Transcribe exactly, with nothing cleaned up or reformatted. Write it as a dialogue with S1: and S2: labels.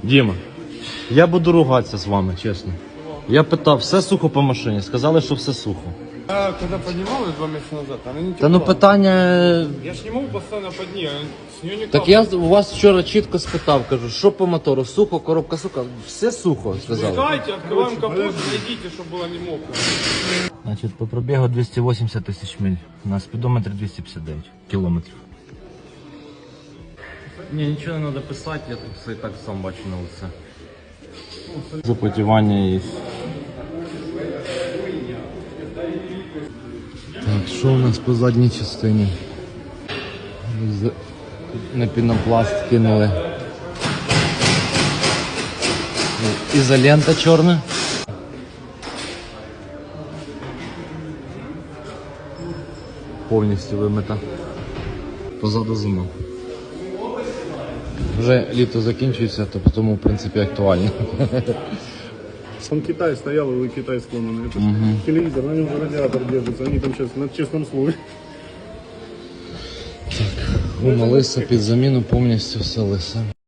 S1: Діма, я буду ругатися з вами, чесно. Я питав, все сухо по машині, сказали, що все сухо.
S2: Я когда поднимал ее два месяца назад, она не
S1: Та ну
S2: текла.
S1: питання...
S2: Я ж не могу постоянно под ней, с нее не
S1: Так я у вас вчора чітко спитав, кажу, що по мотору, сухо, коробка суха, все сухо, сказали.
S2: Пускайте, открываем капот, найдите, чтобы было не мокро.
S1: Значить, по пробігу двісті вісімдесят тисяч миль, на спідометрі двісті п'ятдесят дев'ять кілометрів. Ні, нічого не треба писати, я тут все і так сам бачу на лице. Запотівання є. Так, що у нас по задній частині? З- На пінопласт кинули. Ізолента чорна. Повністю вимита. Позаду зима. Вже літо закінчується, то тому в принципі актуально.
S3: Он Китай стоял, и Китай склонен. Это угу. Телевизор, на нем же радиатор держится. Они там сейчас на честном слове.
S1: Гума лиса, під заміну повністю все лисе.